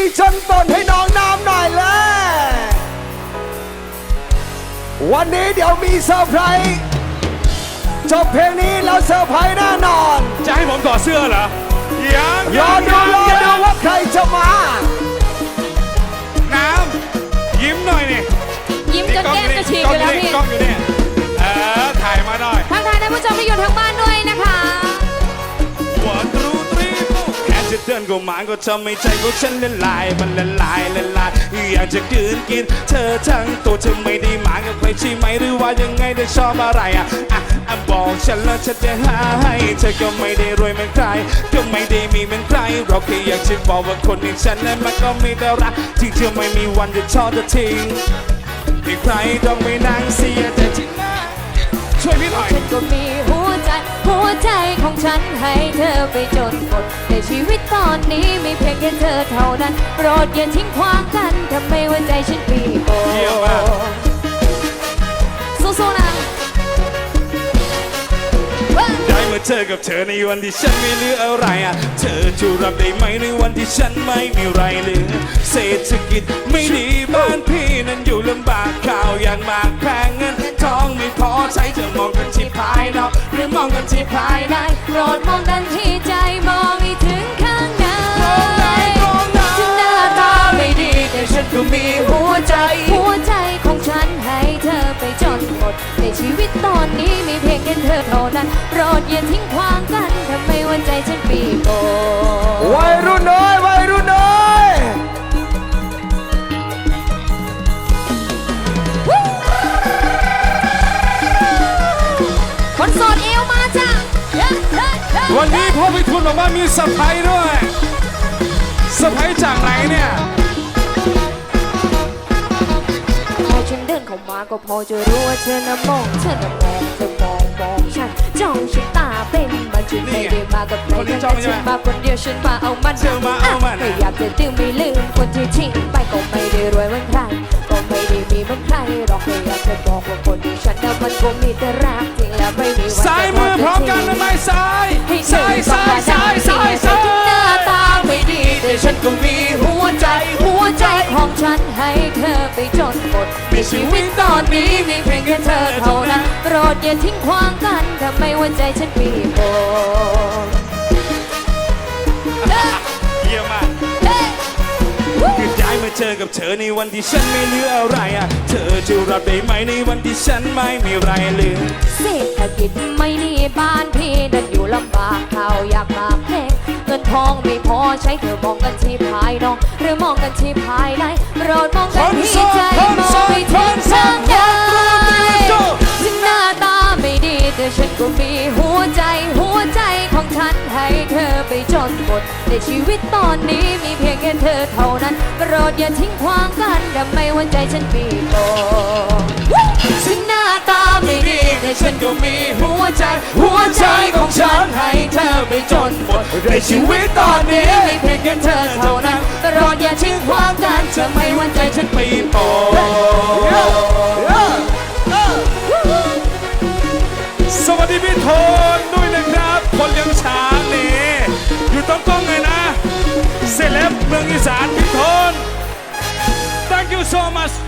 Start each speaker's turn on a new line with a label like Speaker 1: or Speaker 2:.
Speaker 1: ชนตนให้น้องน้ำหน่อยเลยวันนี้เดี๋ยวมีเซอร์ไพรส์จบเพลงนี้แล้วเซอร์ไพรส์แน่นอน
Speaker 2: จะให้ผมถอดเสื้อเหรอ
Speaker 1: รอดูว่าใครจะมา
Speaker 2: น้ำยิ้มหน่อยนี่
Speaker 3: ยิ้มจนแก้มจะฉีกอยู่แล้วพี่
Speaker 2: กล้องอยู่เนี่ยถ่ายมาหน่อย
Speaker 3: ทักทายท่านผู้ชมที่อยู่ทางบ้านด้วยนะคะ
Speaker 2: วันรู้ตรีแค่จะเดินก็มาก็ทำให้ใจของฉันละลายมันละลายอยากจะกืนกินเธอทั้งตัวเธอไม่ได้มากับใครใช่ไหมหรือว่ายังไงเธอชอบอะไรบอกฉันแล้วฉันจะหาให้เธอก็ไม่ได้รวยเหมือนใครก็ไม่ได้มีเหมือนใครเราแค่อยากจะบอกว่าคนอย่างฉันนั้นมันก็มีแต่รักที่เธอไม่มีวันจะทอดจะทิ้งที่ใครต้องไม่นั่งเสียแต่ที่หน้าช่วยพี่หน่อย
Speaker 3: ฉันก็มีหัวใจของฉันให้เธอไปจนหมดในชีวิตตอนนี้มีเพียงแค่เธอเท่านั้นโปรดอย่าทิ้งขว้างกันทำไมว่าใจฉันปีโบสู้ๆนะ
Speaker 2: ได้มาเจอกับเธอในวันที่ฉันไม่เหลืออะไรเธอจะรับได้ไหมในวันที่ฉันไม่มีไรเหลือเศรษฐกิจไม่ดีบ้านพี่นั้นอยู่ลำบากข่าวอย่างมากแพงเงินทองไม่พอใช้เธอมองกันที่ภายนอกหรือมองกันที่ภายใน
Speaker 3: โปรดมองกันที่ใจมองให้ถึงข้างในถึงหน้าตาไม่ดีแต่ฉันก็มีหัวใจของฉันให้เธอไปจนหมดในชีวิตตอนนี้มีเพียงแค่เธอเท่านั้นโปรดอย่าทิ้งขว้างกันทำไมวันใจฉันปีโบ
Speaker 1: วัยรุ่นน้อย
Speaker 3: คนโสดเอวมาจ้ะ
Speaker 2: วันนี้พ่อพิทูลบอกว่ามีเซอร์ไพรส์ด้วยเซอร์ไพรส์จากไหนเนี่ย
Speaker 3: พอฉันเดินเข้ามาก็พอจะรู้ว่าเธอน่ะมองฉันจ้องฉันตาเป็นมันฉันไม่ได้มากับใครแต่ฉันมาคนเดียวฉันมาเอามันไม่อยากจะดื่มไม่ลืมคนที่ทิ้งไปก็ไม่ได้รวยเหมือนใครก็ไม่ได้มีเหมือนใครหรอกแค่อยากจะบอกว่าคนที่ฉันน่ะมันก็มีแต่รักจริงแล้วไม่มีวัน
Speaker 2: ซ้ายมือพร้อมกันนะไม่ซ้าย
Speaker 3: หน้าตาไม่ดีแต่ฉันก็มีหัวใจของฉันให้เธอไปจนหมดในชีวิตตอนนี้มีเพียงแค่เธอเท่านั้นโปรดอย่าทิ้งขว้างกันทำไมวันใจฉันปีโบ
Speaker 2: เยี่ยมมากคือได้มาเจอกับเธอในวันที่ฉันไม่เหลืออะไรเธอจะรับได้ไหมในวันที่ฉันไม่มีไรเหลือ
Speaker 3: เศรษฐกิจไม่ดีบ้านพี่นั้นอยู่ลำบากข่าวอยากมาแพงเงินทองไม่พอใช้เธอมองกันที่ภายนอกหรือมองกันที่ภายในโปรดมองกันที่ใจมองไปถึงทางใดถึงหน้าตาไม่ดีแต่ฉันก็มีหัวใจของฉันให้เธอไปจนหมดในชีวิตตอนนี้มีเพียงแค่เธอเท่านั้นโปรดอย่าทิ้งขว้างกันทำไมวันใจฉันปีโบถึงหน้าตาไม่ดีแต่ฉันก็มีหัวใจของฉันให้เธอไปจนหมดในชีวิตตอนนี้มีเพียงแค่เธอเท่านั้นโปรดอย่าทิ้งขว้างกันทำไมวันใจฉันปีโบ
Speaker 2: สวัสดีพี่โทนด้วยนะครับคนเลี้ยงช้างนี่อยู่ตรงกล้องเลยนะเซเลบเมืองอีสานพี่โทน Thank you so much